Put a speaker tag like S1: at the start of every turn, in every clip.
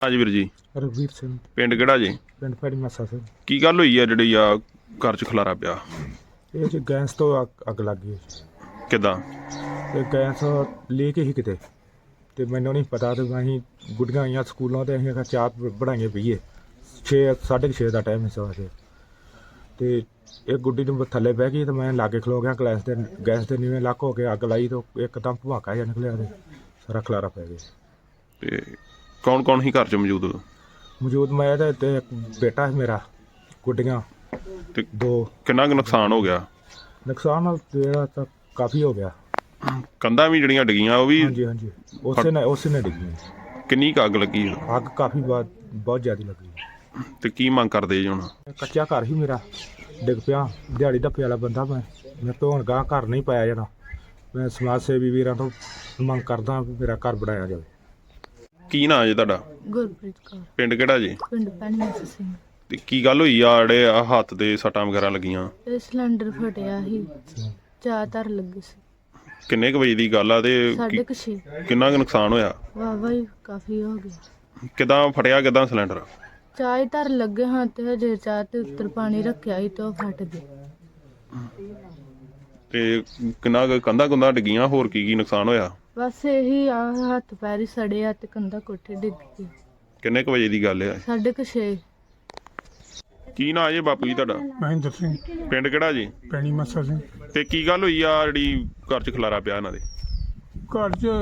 S1: ਹਾਂਜੀ ਵੀਰ ਜੀ।
S2: ਰਘਵੀਰ ਸਿੰਘ।
S1: ਪਿੰਡ ਕਿਹੜਾ ਜੀ?
S2: ਪਿੰਡ ਫੈੜੀ ਮੱਸਾ ਸਿੰਘ।
S1: ਕੀ ਗੱਲ ਹੋਈ ਆ ਜਿਹੜੀ ਆ ਘਰ 'ਚ ਖਲਾਰਾ ਪਿਆ?
S2: ਇਹ ਜੀ ਗੈਸ ਤੋਂ ਅੱਗ ਲੱਗ ਗਈ।
S1: ਕਿੱਦਾਂ?
S2: ਤੇ ਗੈਸ ਲੀਕ ਹੀ ਕਿਤੇ, ਤੇ ਮੈਨੂੰ ਨਹੀਂ ਪਤਾ। ਤੇ ਅਸੀਂ ਗੁੱਡੀਆਂ ਆਈਆਂ ਸਕੂਲੋਂ, ਤੇ ਅਸੀਂ ਆਖਿਆ ਚਾਹ ਬਣਾਈਏ ਪੀਏ। 6:30 ਦਾ ਟਾਈਮ ਸੀ ਸਵੇਰ ਦੇ। ਤੇ ਇਹ ਗੁੱਡੀ ਨੂੰ ਥੱਲੇ ਬਹਿ ਗਈ, ਤੇ ਮੈਂ ਲਾਗੇ ਖਲੋ ਗਿਆ। ਗੈਸ ਦੇ ਨੀਵੇਂ ਲੱਕ ਹੋ ਕੇ ਅੱਗ ਲਾਈ, ਤੇ ਇੱਕਦਮ ਭਵਾਕਾ ਜਿਹਾ ਨਿਕਲਿਆ, ਤੇ ਸਾਰਾ ਖਲਾਰਾ ਪੈ ਗਿਆ।
S1: ਤੇ ਕੌਣ ਕੌਣ ਹੀ ਘਰ 'ਚ
S2: ਮੌਜੂਦ ਮੈਂ ਤੇ ਇੱਕ ਬੇਟਾ ਹੈ ਮੇਰਾ, ਗੁੱਡੀਆਂ
S1: ਤੇ
S2: ਦੋ।
S1: ਕਿੰਨਾ ਕੁ ਨੁਕਸਾਨ ਹੋ ਗਿਆ?
S2: ਨੁਕਸਾਨ ਜਿਹੜਾ ਤਾਂ ਕਾਫੀ ਹੋ ਗਿਆ।
S1: ਕੰਧਾਂ ਵੀ ਜਿਹੜੀਆਂ ਡਿੱਗੀਆਂ ਉਹ ਵੀ?
S2: ਹਾਂਜੀ ਹਾਂਜੀ, ਉਸੇ ਨੇ ਡਿੱਗੀ।
S1: ਕਿੰਨੀ ਕੁ ਅੱਗ ਲੱਗੀ?
S2: ਅੱਗ ਕਾਫੀ ਬਹੁਤ ਜ਼ਿਆਦਾ ਲੱਗੀ।
S1: ਤੇ ਕੀ ਮੰਗ ਕਰਦੇ ਜੀ ਹੁਣ?
S2: ਕੱਚਾ ਘਰ ਹੀ ਮੇਰਾ ਡਿੱਗ ਪਿਆ। ਦਿਹਾੜੀ ਧੱਪੇ ਵਾਲਾ ਬੰਦਾ ਮੈਂ ਤੋਂ ਹੁਣ ਗਾਂ ਘਰ ਨਹੀਂ ਪਾਇਆ ਜਾਣਾ। ਮੈਂ ਸਮਾਜ ਸੇਵੀ ਵੀਰਾਂ ਤੋਂ ਮੰਗ ਕਰਦਾ ਵੀ ਮੇਰਾ ਘਰ ਬਣਾਇਆ ਜਾਵੇ।
S1: ਕੀ ਨਾਂ ਜੀ ਤੁਹਾਡਾ?
S3: ਗੁਰਪ੍ਰੀਤ ਕੌਰ।
S1: ਪਿੰਡ ਕਿਹੜਾ ਜੀ?
S3: ਪਿੰਡ ਪੈਣੀ ਸਿੰਘ।
S1: ਤੇ ਕੀ ਗੱਲ ਹੋਈ ਆ ਜਿਹੜੇ ਆ ਹੱਥ ਦੇ ਸੱਟਾਂ ਵਗੈਰਾ ਲੱਗੀਆਂ?
S3: ਇਹ ਸਿਲੰਡਰ ਫਟਿਆ ਸੀ, ਚਾਹ ਧਰ ਲੱਗੀ ਸੀ।
S1: ਕਿੰਨੇ ਕੁ ਵਜੇ ਦੀ ਗੱਲ ਆ ਤੇ
S3: 6:30।
S1: ਕਿੰਨਾ ਕੁ ਨੁਕਸਾਨ ਹੋਇਆ?
S3: ਵਾਹਵਾ ਹੀ ਕਾਫੀ ਹੋ ਗਿਆ।
S1: ਕਿੱਦਾਂ ਫਟਿਆ? ਕਿੱਦਾਂ ਸਿਲੰਡਰ?
S3: ਚਾਹ ਹੀ ਧਰ ਲੱਗੇ ਹਾਂ, ਤੇ ਹਜੇ ਚਾਹ ਤੇ ਉੱਤਰ ਪਾਣੀ ਰੱਖਿਆ ਸੀ, ਤੇ ਉਹ ਫਟ ਗਈ।
S1: ਤੇ ਕਿੰਨਾ ਕੁ ਕੰਧਾਂ ਕੁੰਧਾਂ ਡਿੱਗੀਆਂ? ਹੋਰ ਕੀ ਨੁਕਸਾਨ ਹੋਇਆ?
S3: ਬਸ ਇਹੀ ਆ, ਹੱਥ ਪੈਰ ਹੀ ਸੜੇ ਆ, ਤੇ ਕੰਧਾ ਕੋਠੇ ਡਿੱਗ ਗਈ।
S1: ਕਿੰਨੇ ਕੁ ਵਜੇ ਦੀ ਗੱਲ ਆ?
S3: 6:30।
S1: ਕੀ ਨਾਂ ਜੀ ਬਾਪੂ ਜੀ ਤੁਹਾਡਾ?
S2: ਮਹਿੰਦਰ ਸਿੰਘ।
S1: ਪਿੰਡ ਕਿਹੜਾ ਜੀ?
S2: ਪੈਣੀ ਮੱਸਾ ਸਿੰਘ।
S1: ਤੇ ਕੀ ਗੱਲ ਹੋਈ ਆ ਜਿਹੜੀ ਘਰ 'ਚ ਖਲਾਰਾ ਪਿਆ ਇਹਨਾਂ ਦੇ?
S2: ਘਰ 'ਚ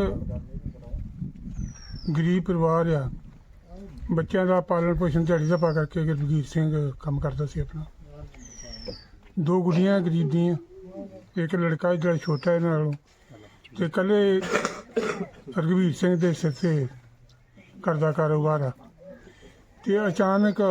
S2: ਗਰੀਬ ਪਰਿਵਾਰ ਆ। ਬੱਚਿਆਂ ਦਾ ਪਾਲਣ ਪੋਸ਼ਣ ਦਿਹਾੜੀ ਦਾ ਪਾ ਕਰਕੇ ਰਘਵੀਰ ਸਿੰਘ ਕੰਮ ਕਰਦਾ ਸੀ ਆਪਣਾ। ਦੋ ਗੁੱਡੀਆਂ ਗਰੀਬ ਦੀਆਂ, ਇੱਕ ਲੜਕਾ ਜਿਹੜਾ ਛੋਟਾ ਇਹਨਾਂ ਨਾਲੋਂ, ਤੇ ਇਕੱਲੇ ਰਘਵੀਰ ਸਿੰਘ ਦੇ ਸਿਰ 'ਤੇ ਘਰ ਦਾ ਕਾਰੋਬਾਰ ਆ। ਤੇ ਅਚਾਨਕ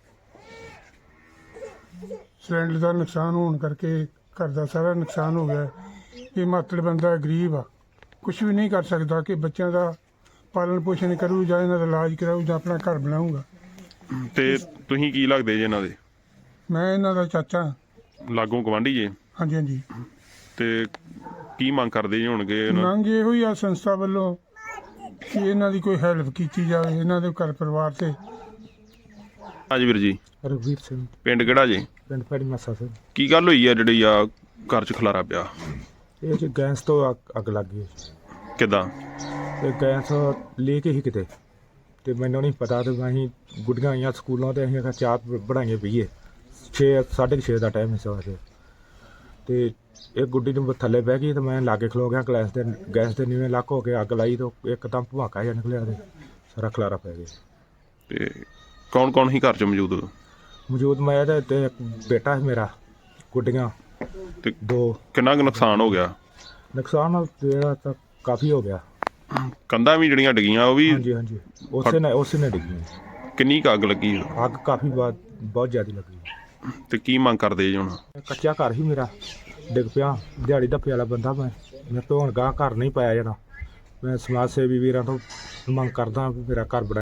S2: ਸਿਲੰਡਰ ਦਾ ਨੁਕਸਾਨ ਹੋਣ ਕਰਕੇ ਘਰ ਦਾ ਸਾਰਾ ਨੁਕਸਾਨ ਹੋ ਗਿਆ। ਇਹ ਮਾਤੜ ਬੰਦਾ ਗਰੀਬ ਆ, ਕੁਛ ਵੀ ਨਹੀਂ ਕਰ ਸਕਦਾ ਕਿ ਬੱਚਿਆਂ ਦਾ ਪਾਲਣ ਪੋਸ਼ਣ ਕਰੂ, ਜਾਂ ਇਹਨਾਂ ਦਾ ਇਲਾਜ ਕਰਾਊ, ਜਾਂ ਆਪਣਾ ਘਰ ਬਣਾਊਗਾ।
S1: ਤੇ ਤੁਸੀਂ ਕੀ ਲੱਗਦੇ ਜੀ ਇਹਨਾਂ ਦੇ?
S2: ਮੈਂ ਇਹਨਾਂ ਦਾ ਚਾਚਾ।
S1: ਲਾਗੋਂ ਗਵਾਂਢੀ ਜੀ?
S2: ਹਾਂਜੀ ਹਾਂਜੀ।
S1: ਤੇ ਕੀ ਮੰਗ ਕਰਦੇ ਜੀ ਹੋਣਗੇ?
S2: ਮੰਗ ਇਹੋ ਹੀ ਆ ਸੰਸਥਾ ਵੱਲੋਂ ਕਿ ਇਹਨਾਂ ਦੀ ਕੋਈ ਹੈਲਪ ਕੀਤੀ ਜਾਵੇ, ਇਹਨਾਂ ਦੇ ਘਰ ਪਰਿਵਾਰ ਤੇ।
S1: ਹਾਂਜੀ ਵੀਰ ਜੀ।
S2: ਰਘਵੀਰ ਸਿੰਘ।
S1: ਪਿੰਡ ਕਿਹੜਾ ਜੀ?
S2: ਪਿੰਡ ਫੈੜੀ ਮੱਸਾ ਸਿੰਘ।
S1: ਕੀ ਗੱਲ ਹੋਈ ਆ ਜਿਹੜੀ ਆ ਘਰ 'ਚ ਖਲਾਰਾ ਪਿਆ?
S2: ਇਹ ਜੀ ਗੈਸ ਤੋਂ ਅੱਗ ਲੱਗ ਗਈ।
S1: ਕਿੱਦਾਂ?
S2: ਤੇ ਗੈਸ ਲੀਕ ਹੀ ਕਿਤੇ, ਤੇ ਮੈਨੂੰ ਨਹੀਂ ਪਤਾ। ਤੇ ਅਸੀਂ ਗੁੱਡੀਆਂ ਆਈਆਂ ਸਕੂਲੋਂ, ਤੇ ਅਸੀਂ ਆਖਿਆ ਚਾਹ ਬਣਾਈਏ ਪੀਏ। 6:30 ਦਾ ਟਾਈਮ ਸੀ ਸਵੇਰ ਦੇ। ਤੇ ਇਹ ਗੁੱਡੀ ਨੂੰ ਥੱਲੇ ਬਹਿ ਗਈ, ਤੇ ਮੈਂ ਲਾਗੇ ਖਲੋ ਗਿਆ। ਗੈਸ ਦੇ ਨੀਵੇਂ ਲੱਕ ਹੋ ਕੇ ਅੱਗ ਲਾਈ, ਤੇ ਇੱਕਦਮ ਭਵਾਕਾ ਜਿਹਾ ਨਿਕਲਿਆ, ਤੇ ਸਾਰਾ ਖਲਾਰਾ ਪੈ ਗਿਆ।
S1: ਤੇ ਕੌਣ ਕੌਣ ਹੀ ਘਰ 'ਚ
S2: ਮੌਜੂਦ ਮੈਂ ਤੇ ਇੱਕ ਬੇਟਾ ਹੈ ਮੇਰਾ, ਗੁੱਡੀਆਂ
S1: ਤੇ
S2: ਦੋ।
S1: ਕਿੰਨਾ ਕੁ ਨੁਕਸਾਨ ਹੋ ਗਿਆ?
S2: ਨੁਕਸਾਨ ਜਿਹੜਾ ਤਾਂ ਕਾਫੀ ਹੋ ਗਿਆ।
S1: ਕੰਧਾਂ ਵੀ ਜਿਹੜੀਆਂ ਡਿੱਗੀਆਂ ਉਹ ਵੀ?
S2: ਹਾਂਜੀ ਹਾਂਜੀ, ਉਸੇ ਨੇ ਡਿੱਗੀ।
S1: ਕਿੰਨੀ ਕੁ ਅੱਗ ਲੱਗੀ?
S2: ਅੱਗ ਕਾਫੀ ਬਹੁਤ ਜ਼ਿਆਦਾ ਲੱਗੀ।
S1: ਤੇ ਕੀ ਮੰਗ ਕਰਦੇ ਜੀ ਹੁਣ?
S2: ਕੱਚਾ ਘਰ ਹੀ ਮੇਰਾ ਡਿੱਗ ਪਿਆ। ਦਿਹਾੜੀ ਧੱਪੇ ਵਾਲਾ ਬੰਦਾ ਮੈਂ ਤੋਂ ਹੁਣ ਗਾਂ ਘਰ ਨਹੀਂ ਪਾਇਆ ਜਾਣਾ। ਮੈਂ ਸਮਾਜ ਸੇਵੀ ਵੀਰਾਂ ਤੋਂ ਮੰਗ ਕਰਦਾ ਵੀ ਮੇਰਾ ਘਰ ਬਣਾ।